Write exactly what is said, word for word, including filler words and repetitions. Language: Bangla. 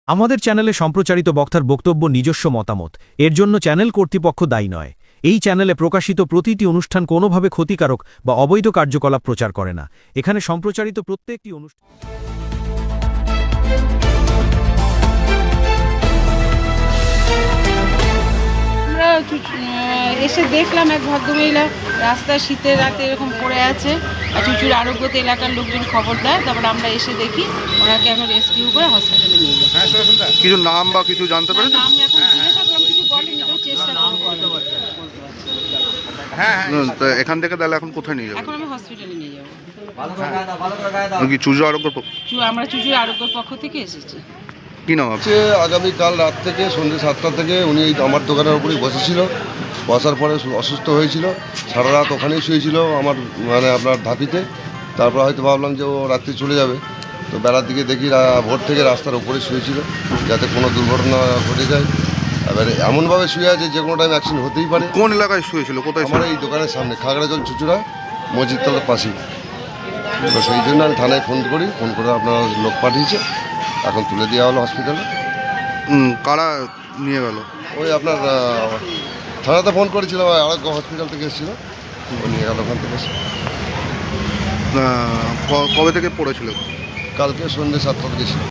আমাদের চ্যানেলে সম্প্রচারিত বক্তার বক্তব্য নিজস্ব মতামত, এর জন্য চ্যানেল কর্তৃপক্ষ দায়ী নয়। এই চ্যানেলে প্রকাশিত প্রতিটি অনুষ্ঠান কোনোভাবে ক্ষতিকারক বা অবৈধ কার্যকলাপ প্রচার করে না। এখানে সম্প্রচারিত প্রত্যেকটি অনুষ্ঠান আমরা চুচ- আহ, এসে দেখলাম এক ভদ্রমহিলা রাস্তায় শীতের রাতে এরকম পড়ে আছে, আর চুচুর আরোগ্যতে এলাকার লোকজন খবর দেয়। তারপরে আমরা এসে দেখি ওনাকে এখন রেস্কিউ করে হসপিটালে নিয়ে যাই। কিছু নাম বা কিছু জানতে পারেন? নাম এখন জিজ্ঞাসা করলাম, কিছু বলেনি, তো চেষ্টা করবো। তো এখান থেকে তাহলে এখন কোথায় নিয়ে যাবেন? এখন আমি হসপিটালে নিয়ে যাবো। কি চুজো আরোগ্য প- চু- আমরা চুচুর আরোগ্যর পক্ষ থেকে এসেছি। কি নাম আপনার? হচ্ছে আগামীকাল রাত থেকে সন্ধ্যে সাতটা থেকে উনি এই আমার দোকানের উপরেই বসেছিল। বসার পরে সু- অসুস্থ হয়েছিল, সারা রাত ওখানেই শুয়েছিল আমার মানে আপনার ধাপিতে। তারপর হয়তো ভাবলাম যে ও রাত্রি চলে যাবে, তো বেলার দিকে দেখি রা- ভোর থেকে রাস্তার উপরে শুয়েছিল, যাতে কোনো দুর্ঘটনা ঘটে যায়। এবারে এমনভাবে শুয়ে আছে যে কোনো টাইম অ্যাক্সিডেন্ট হতেই পারে। কোন এলাকায় শুয়েছিল, কোথায় আমার ছিল? এই দোকানের সামনে খাগড়াজল চুচুড়া মসজিদতলার পাশেই। তো সেই জন্য আমি থানায় ফোন করি, ফোন করে আপনার লোক পাঠিয়েছে, এখন তুলে দেওয়া হলো হসপিটালে। উম, কারা নিয়ে গেল? ওই আপনার আহ, থানাতে ফোন করেছিলাম, আরোগ্য হসপিটাল থেকে এসেছিল, ও নিয়ে গেল ওখান থেকে এসে। আহ, ক- কবে থেকে পড়েছিল? কালকে সন্ধ্যে সাতটার দিকে ছিল।